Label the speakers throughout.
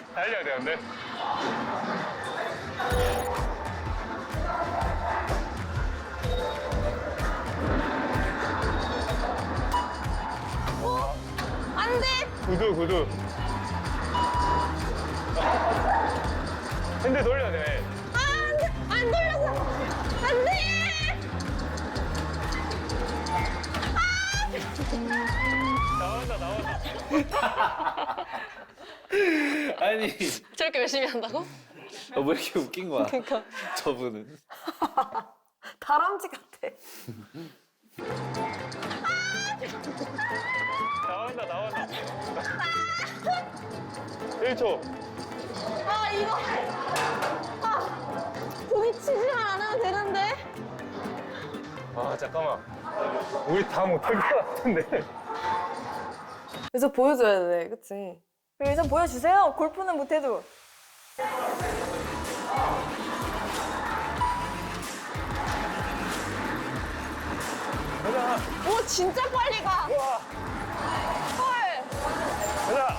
Speaker 1: 달려야 되는데.
Speaker 2: 안 돼!
Speaker 1: 구두. 핸들 돌려야 돼.
Speaker 2: 안 돼! 안 돌렸어! 안 돼!
Speaker 1: 나온다.
Speaker 3: 아니,
Speaker 2: 저렇게 열심히 한다고?
Speaker 3: 왜 이렇게 웃긴 거야?
Speaker 2: 그러니까.
Speaker 3: 저분은.
Speaker 4: 다람쥐 같아.
Speaker 1: 나온다. 1초.
Speaker 2: 아, 이거. 아, 부딪히지만 않으면 되는데.
Speaker 1: 아, 잠깐만. 우리 다 못할 것 같은데.
Speaker 4: 그래서 보여줘야 돼, 그치? 그래서 보여주세요. 골프는 못해도.
Speaker 1: 가자.
Speaker 2: 오, 진짜 빨리 가.
Speaker 1: 우와.
Speaker 2: 헐.
Speaker 1: 가자.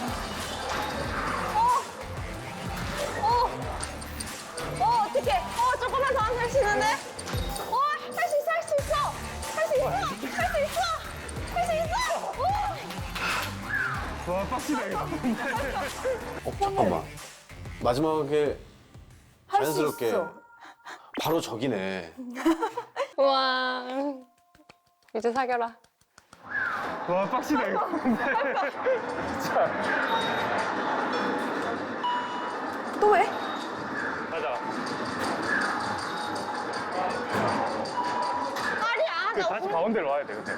Speaker 2: 어떡해. 조금만 더 하면 할 수 있는데? 할 수 있어.
Speaker 1: 와, 빡치다, 이거.
Speaker 5: 잠깐만. 마지막에
Speaker 4: 할 수
Speaker 5: 자연스럽게
Speaker 4: 있어.
Speaker 5: 바로 저기네.
Speaker 2: 우와. 이제 사겨라.
Speaker 1: 와, 빡치다, 이거. 자,
Speaker 4: 또 해?
Speaker 1: 가자.
Speaker 2: 아니야.
Speaker 1: 다시 가운데로 와야 돼, 근데.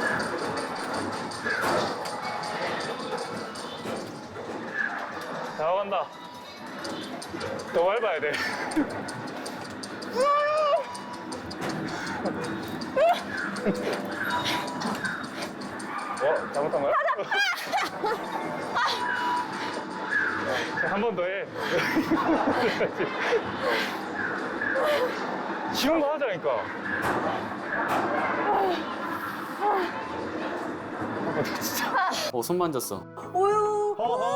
Speaker 1: 자, 간다. 더 밟아야 돼. 잘못한 거야? 한 번 더 해. 쉬운 거 하자니까. 진짜.
Speaker 3: 손 만졌어.
Speaker 4: 우유.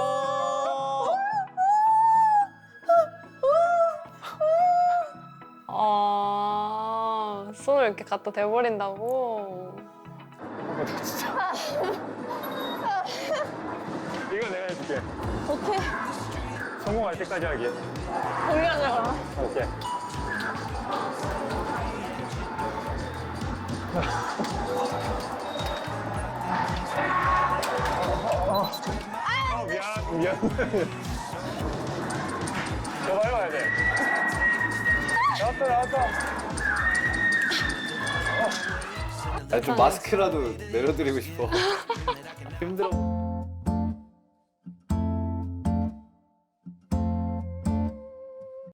Speaker 2: 손을 이렇게 갖다 대버린다고?
Speaker 1: 진짜. 이거 내가 해줄게.
Speaker 2: 오케이.
Speaker 1: 성공할 때까지 하기.
Speaker 2: 공개하자, 그럼.
Speaker 1: 오케이. 미안. 더 밟아야 돼. 나왔어.
Speaker 3: 좀 마스크라도 내려드리고 싶어. 힘들어.